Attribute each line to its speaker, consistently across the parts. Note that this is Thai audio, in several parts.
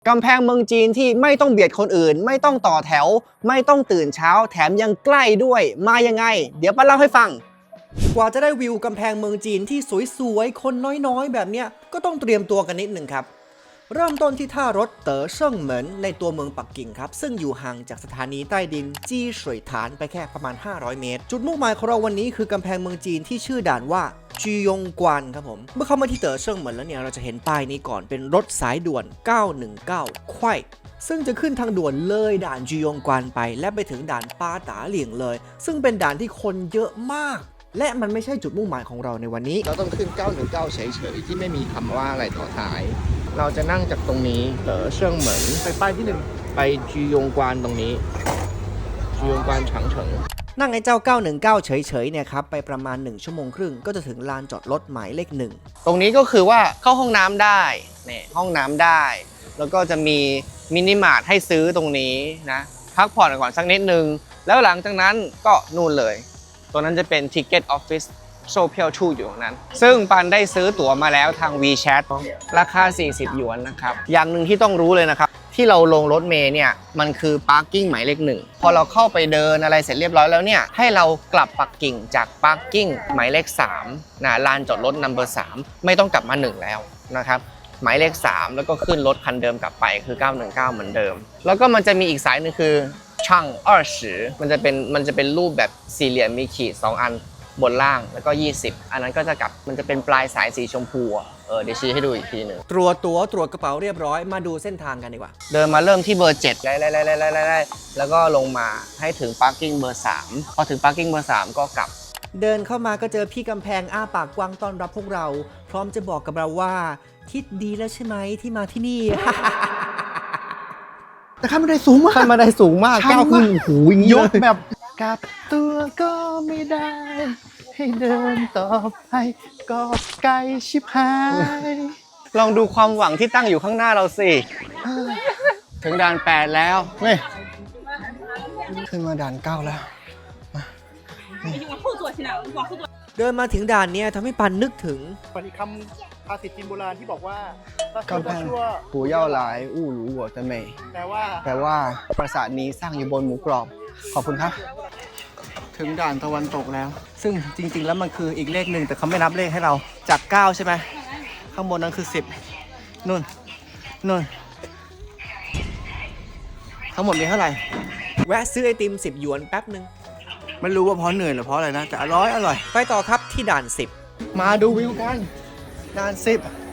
Speaker 1: กำแพงเมืองจีนที่ไม่ต้องเบียดคนอื่นไม่ต้องต่อแถวไม่ต้องตื่นเช้าแถมยังใกล้ด้วยมายังไงเดี๋ยวป้าเล่าให้ฟังกว่าจะได้วิวกำแพงเมืองจีนที่สวยๆคนน้อยๆแบบเนี้ยก็ต้องเตรียมตัวกันนิดหนึ่งครับเริ่มต้นที่ท่ารถเต๋อเซิ่งเหมินในตัวเมืองปักกิ่งครับซึ่งอยู่ห่างจากสถานีใต้ดินจี้สวยฐานไปแค่ประมาณ500เมตรจุดมุ่งหมายของเราวันนี้คือกำแพงเมืองจีนที่ชื่อด่านว่าจียงกวานครับผมเมื่อเข้ามาที่เต๋อเซิ่งเหมินแล้วเนี่ยเราจะเห็นป้ายนี้ก่อนเป็นรถสายด่วน919ควายซึ่งจะขึ้นทางด่วนเลยด่านจียงกวานไปและไปถึงด่านปาตาเหลียงเลยซึ่งเป็นด่านที่คนเยอะมากและมันไม่ใช่จุดมุ่งหมายของเราในวันนี้
Speaker 2: เราต้องขึ้น919เฉยๆที่ไม่มีคำว่าอะไรต่อท้ายเราจะนั่งจากตรงนี้เต๋อเชิงเหมินไปป้ายที่1ไปจียงกวานตรงนี้จียงกวานฉางเฉิง
Speaker 1: นั่งไอ้เจ้า919เฉยๆเนี่ยครับไปประมาณ1ชั่วโมงครึ่งก็จะถึงลานจอดรถหมายเลข1ตรงนี้ก็คือว่าเข้าห้องน้ำได้เนี่ยห้องน้ำได้แล้วก็จะมีมินิมาร์ทให้ซื้อตรงนี้นะพักผ่อนก่อนสักนิดนึงแล้วหลังจากนั้นก็นู่นเลยตัวนั้นจะเป็น Ticket Office โซเพียวชูอยู่ตรงนั้นซึ่งปันได้ซื้อตั๋วมาแล้วทาง WeChat ราคา40หยวนนะครับอย่างหนึ่งที่ต้องรู้เลยนะครับที่เราลงรถเมล์เนี่ยมันคือพาร์กิ้งหมายเลข1พอเราเข้าไปเดินอะไรเสร็จเรียบร้อยแล้วเนี่ยให้เรากลับปักกิ่งจากพาร์กิ้งหมายเลข3นะลานจอดรถนัมเบอร์3ไม่ต้องกลับมา1แล้วนะครับหมายเลข3แล้วก็ขึ้นรถคันเดิมกลับไปคือ919เหมือนเดิมแล้วก็มันจะมีอีกสายนึงคือช่าง20มันจะเป็นรูปแบบสี่เหลี่ยมมีขีด2อันบนล่างแล้วก็20อันนั้นก็จะกลับมันจะเป็นปลายสายสีชมพูเดี๋ยวชี้ให้ดูอีกทีหนึ่งตรวจตั๋วตรวจกระเป๋าเรียบร้อยมาดูเส้นทางกันดีกว่าเดินมาเริ่มที่เบอร์7ไล่แล้วก็ลงมาให้ถึงพาร์กิ้งเบอร์3พอถึงพาร์กิ้งเบอร์3ก็กลับเดินเข้ามาก็เจอพี่กำแพงอ้าปากกว้างต้อนรับพวกเราพร้อมจะบอกกับเราว่าคิดดีแล้วใช่ไหมที่มาที่นี่
Speaker 2: แต่ขั้นบันไดสูงมากก้าวขึ้นโอ้โหยกแบบกลับตัวก็ไม่ได้ให้เดินต่อไปก็ไกลชิบหาย
Speaker 1: ลองดูความหวังที่ตั้งอยู่ข้างหน้าเราสิถึงด่าน8แล้ว
Speaker 2: เว้ยขึ้นมาด่าน9แล้ว
Speaker 1: เดินมาถึงด่านเนี้ยทำให้ปันนึกถึง
Speaker 3: อีกคำภาษิตจีนโบราณที่บอกว่าก
Speaker 2: ำแพงหูเย่าหลายอู้หรูหัวตะเมย
Speaker 3: แปลว่า
Speaker 2: ปราสาทนี้สร้างอยู่บนหมูกรอบขอบคุณครับถึงด่านตะวันตกแล้วซึ่งจริงๆแล้วมันคืออีกเลขหนึ่งแต่เขาไม่นับเลขให้เราจาก9ใช่ไหมข้างบนนั้นคือ10นู่นทั้งหมดมีเท่าไหร่
Speaker 1: แวะซื้อไอติม10หยวนแป๊บนึง
Speaker 2: ไม่รู้ว่าเพราะเหนื่อยหรือเพราะอะไรนะแต่อร่อย
Speaker 1: ไปต่อครับที่ด่าน10
Speaker 2: มาดูวิวกันด่าน10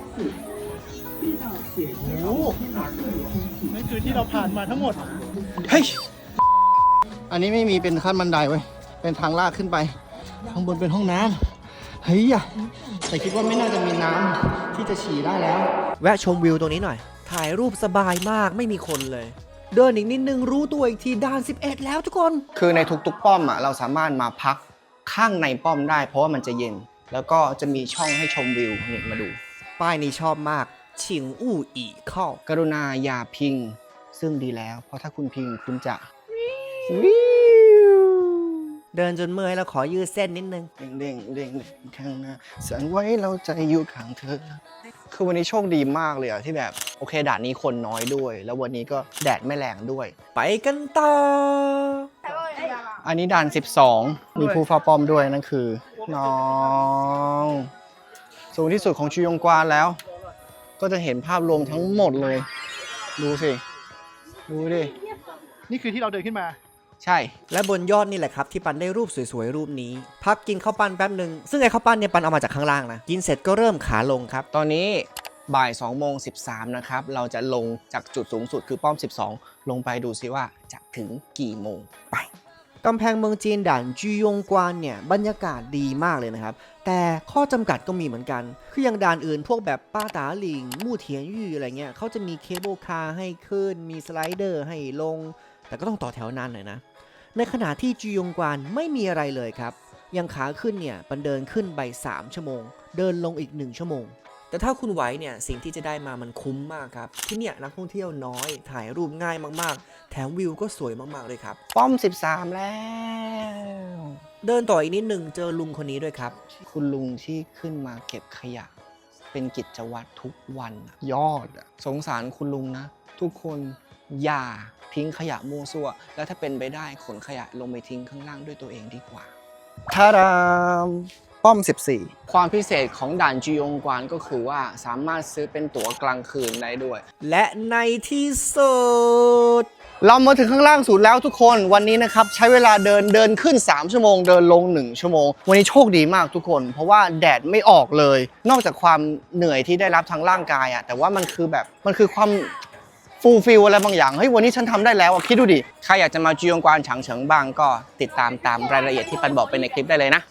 Speaker 2: โอ้
Speaker 3: นั่นคือที่เราผ่านมาทั้งหมด
Speaker 2: เฮ้ยอันนี้ไม่มีเป็นขั้นบันไดเว้ยเป็นทางลาดขึ้นไปข้างบนเป็นห้องน้ำเฮ้ยแต่คิดว่าไม่น่าจะมีน้ำที่จะฉี่ได้แล้ว
Speaker 1: แวะชมวิวตรงนี้หน่อยถ่ายรูปสบายมากไม่มีคนเลยเดินอีกนิดนึงรู้ตัวอีกทีด่าน11แล้วทุกคนคือในทุกๆป้อมเราสามารถมาพักข้างในป้อมได้เพราะว่ามันจะเย็นแล้วก็จะมีช่องให้ชมวิวนี่มาดูป้ายนี้ชอบมากฉิงอู้อีเข้ากรุณาอย่าพิงซึ่งดีแล้วเพราะถ้าคุณพิงคุณจะวิวเดินจนเมื่อยแล้วขอยืดเส้นนิดนึงเด้งข้างหน้าสั่นไว้เราใจอยู่ข้างเธอคือวันนี้โชคดีมากเลยที่แบบโอเคด่านนี้คนน้อยด้วยแล้ววันนี้ก็แดดไม่แรงด้วยไปกันต่ออันนี้ด่าน12มีผู้เฝ้าป้อมด้วยนั่นคือน้องสูงที่สุดของชิยงกวานแล้วก็จะเห็นภาพรวมทั้งหมดเลยดูสิดูดิ
Speaker 3: นี่คือที่เราเดินขึ้นมา
Speaker 1: ใช่และบนยอดนี่แหละครับที่ปันได้รูปสวยๆรูปนี้พักกินข้าวปั้นแป๊บหนึ่งซึ่งไอ้ข้าวปั้นเนี่ยปันเอามาจากข้างล่างนะกินเสร็จก็เริ่มขาลงครับตอนนี้บ่าย2:13นะครับเราจะลงจากจุดสูงสุดคือป้อม12ลงไปดูซิว่าจะถึงกี่โมงไปกำแพงเมืองจีนด่านจียงกวานเนี่ยบรรยากาศดีมากเลยนะครับแต่ข้อจำกัดก็มีเหมือนกันคืออย่างด่านอื่นพวกแบบป้าตาหลิงมู่เทียนยู่อะไรเงี้ยเขาจะมีเคเบิลคาร์ให้ขึ้นมีสไลเดอร์ให้ลงแต่ก็ต้องต่อแถวนานหน่อยนะในขณะที่จียงกวานไม่มีอะไรเลยครับยังขาขึ้นเนี่ยปันเดินขึ้นไป3ชั่วโมงเดินลงอีก1ชั่วโมงแต่ถ้าคุณไหวเนี่ยสิ่งที่จะได้มามันคุ้มมากครับที่เนี่ยนักท่องเที่ยวน้อยถ่ายรูปง่ายมากๆแถมวิวก็สวยมากๆเลยครับป้อม13แล้วเดินต่ออีกนิดนึงเจอลุงคนนี้ด้วยครับคุณลุงที่ขึ้นมาเก็บขยะเป็นกิจวัตรทุกวันอะยอดอะสงสารคุณลุงนะ ทุกคนอย่าทิ้งขยะมั่วซั่ว แล้วถ้าเป็นไปได้ขนขยะลงไปทิ้งข้างล่างด้วยตัวเองดีกว่าทาดามป้อม 14 ความพิเศษของด่านจียงกวานก็คือว่าสามารถซื้อเป็นตั๋วกลางคืนได้ด้วย และในที่สุด เรามาถึงข้างล่างสุดแล้วทุกคนวันนี้นะครับใช้เวลาเดินขึ้น3ชั่วโมงเดินลง1ชั่วโมงวันนี้โชคดีมากทุกคนเพราะว่าแดดไม่ออกเลยนอกจากความเหนื่อยที่ได้รับทางร่างกายอะแต่ว่ามันคือความฟูลฟิลอะไรบางอย่างเฮ้ยวันนี้ฉันทำได้แล้วคิดดูดิใครอยากจะมาจียงกวานฉางเฉิงบ้างก็ติดตามรายละเอียดที่ปันบอกไปในคลิปได้เลยนะ